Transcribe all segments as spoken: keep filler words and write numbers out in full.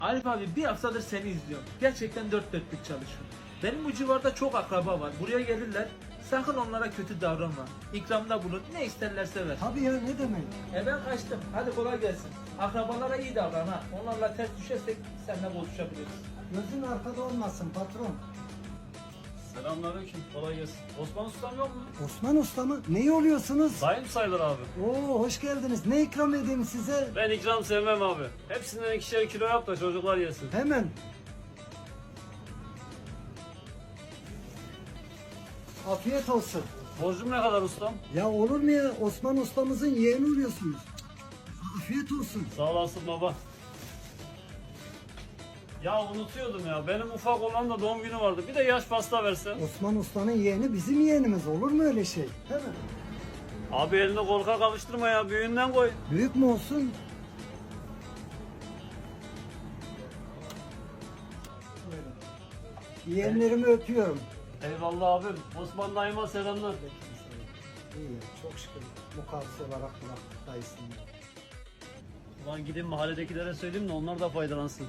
Arif abi bir haftadır seni izliyorum. Gerçekten dört dörtlük çalışıyor. Benim bu civarda çok akraba var. Buraya gelirler. Sakın onlara kötü davranma. İkramda bulun. Ne isterlerse ver. Tabii ya, ne demek? E ben kaçtım. Hadi kolay gelsin. Akrabalara iyi davran ha. Onlarla ters düşersek seninle bozuşabiliriz. Gözün arkada olmasın patron. Selamünaleyküm, kolay gelsin. Osman Ustam yok mu? Osman Usta mı? Neyi oluyorsunuz? Dayım sayılır abi. Oo, hoş geldiniz. Ne ikram edeyim size? Ben ikram sevmem abi. Hepsinden ikişer kilo yap da çocuklar yesin. Hemen. Afiyet olsun. Borcum ne kadar ustam? Ya olur mu ya? Osman Ustamızın yeğeni oluyorsunuz. Afiyet olsun. Sağ olasın baba. Ya unutuyordum ya. Benim ufak olan da doğum günü vardı. Bir de yaş pasta versen. Osman Usta'nın yeğeni bizim yeğenimiz. Olur mu öyle şey? Hemen. Abi elini korkak kavuşturma ya. Büyüğünden koy. Büyük mü olsun? Buyurun. Yeğenlerimi öpüyorum. Eyvallah abim. Osman dayıma selamlar. İyi, çok şükür. Mukavvis olarak bıraktık dayısını. Ulan gidin mahalledekilere söyleyeyim de onlar da faydalansın.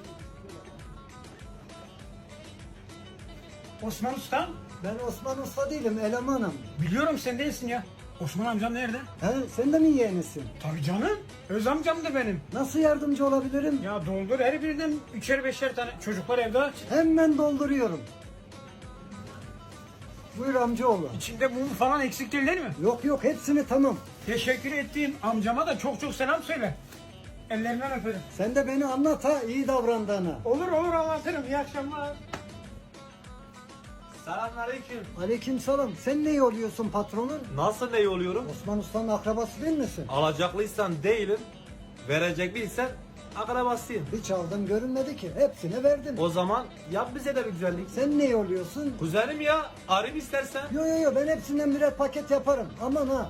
Osman Usta? Ben Osman Usta değilim, elemanım. Biliyorum sen değilsin ya. Osman amcam nerede? He, sen de mi yeğenisin? Tabii canım. Öz amcam da benim. Nasıl yardımcı olabilirim? Ya doldur her birinden üçer beşer tane. Çocuklar evde aç. Hemen dolduruyorum. Buyur amcaoğlu. İçinde mum falan eksik değil değil mi? Yok yok, hepsini tamam. Teşekkür ettiğim amcama da çok çok selam söyle. Ellerinden öperim. Sen de beni anlat ha, iyi davrandığını. Olur olur anlatırım. İyi akşamlar. Selamünaleyküm. Aleykümselam. Sen ne oluyorsun patronun? Nasıl ne oluyorum? Osman Usta'nın akrabası değil misin? Alacaklıysan değilim, verecek bilsen akrabasıyım. Hiç aldım görünmedi ki. Hepsine verdim. O zaman yap bize de bir güzellik. Sen ne oluyorsun? Kuzenim ya, arayayım istersen. Yo yo yo, ben hepsinden birer paket yaparım. Aman ha.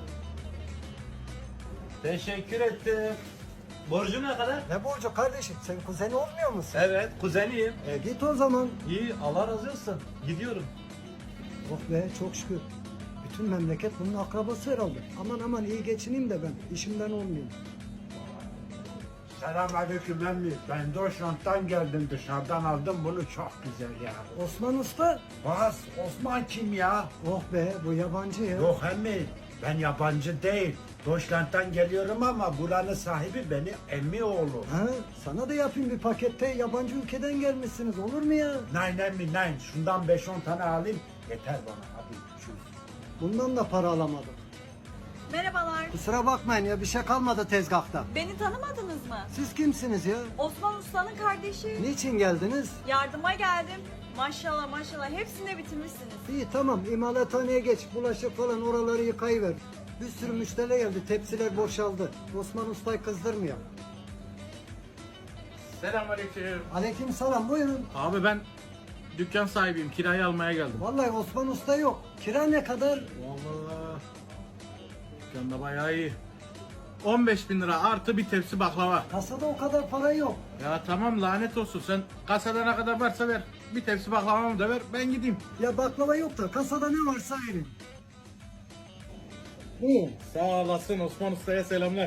Teşekkür ettim. Borcum ne kadar? Ne borcu kardeşim? Sen kuzeni olmuyor musun? Evet, kuzeniyim. E git o zaman. İyi, Allah razı olsun. Gidiyorum. Oh be, çok şükür. Bütün memleket bunun akrabası herhalde. Aman aman, iyi geçineyim de ben. İşimden olmayayım. Selamünaleyküm emmi. Ben Doşrant'tan geldim, dışarıdan aldım bunu, çok güzel ya. Osman Usta. Bas, Osman kim ya? Oh be, bu yabancı ya. Yok emmi, ben yabancı değil. Doşrant'tan geliyorum ama buranın sahibi benim emmi oğlu. Ha, sana da yapayım bir pakette, yabancı ülkeden gelmişsiniz, olur mu ya? Nein emmi nein, şundan beş on tane alayım yeter bana, hadi çüz. Bundan da para alamadık. Merhabalar. Kusura bakmayın ya, bir şey kalmadı tezgahta. Beni tanımadınız mı? Siz kimsiniz ya? Osman Usta'nın kardeşi. Niçin geldiniz? Yardıma geldim. Maşallah maşallah hepsini de bitirmişsiniz. İyi tamam, imalathaneye geç, bulaşık falan oraları yıkayıver. Bir sürü müşteri geldi, tepsiler boşaldı. Osman Usta'yı kızdırmıyor. Selamünaleyküm. Aleykümselam, buyurun. Abi ben dükkan sahibiyim. Kirayı almaya geldim. Vallahi Osman Usta yok. Kira ne kadar? Vallahi dükkanda bayağı iyi. on beş bin lira artı bir tepsi baklava. Kasada o kadar para yok. Ya tamam lanet olsun, sen kasada ne kadar varsa ver. Bir tepsi baklavamı da ver, ben gideyim. Ya baklava yok da kasada ne varsa verin. İyi. Sağ olasın, Osman Usta'ya selamlar.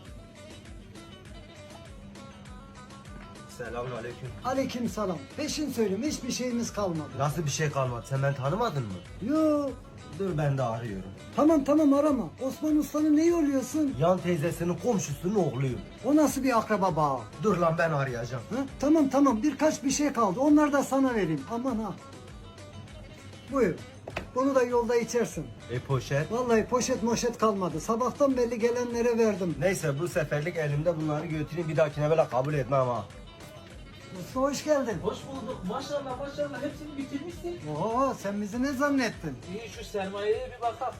Selamünaleyküm. Aleykümselam. Peşin söyleyeyim, hiçbir şeyimiz kalmadı. Nasıl bir şey kalmadı? Sen beni tanımadın mı? Yo. Dur ben de arıyorum. Tamam tamam, arama. Osman Usta'nın neyi oluyorsun? Yan teyzesinin komşusunun oğluyum. O nasıl bir akraba bağı? Dur lan ben arayacağım. Ha? Tamam tamam, birkaç bir şey kaldı. Onları da sana vereyim. Aman ha. Buyur. Bunu da yolda içersin. E poşet. Vallahi poşet moşet kalmadı. Sabahtan belli gelenlere verdim. Neyse bu seferlik elimde bunları götüreyim, bir dahakine böyle kabul etmem ha. Usta hoş geldin. Hoş bulduk. Maşallah maşallah hepsini bitirmişsin. Oo, sen bizi ne zannettin? İyi, şu sermayeye bir bakalım.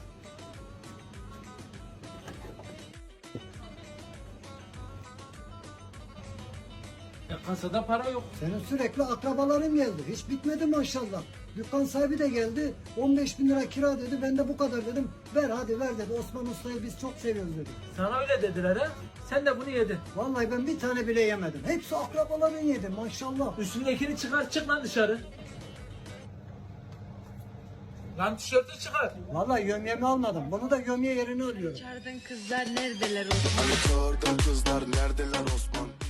Ya kasada para yok. Senin sürekli akrabaların geldi. Hiç bitmedi maşallah. Dükkan sahibi de geldi. on beş bin lira kira dedi. Ben de bu kadar dedim. Ver hadi ver dedi. Osman Usta'yı biz çok seviyoruz dedi. Sana öyle dediler ha. Sen de bunu yedin. Vallahi ben bir tane bile yemedim. Hepsi akrabaların yedi maşallah. Üstündekini çıkar, çık lan dışarı. Lan tişörtü çıkar. Vallahi yömyemi almadım. Bunu da yömye yerine alıyorum. Çağırdın kızlar neredeler Osman? Hani çağırdın kızlar neredeler Osman?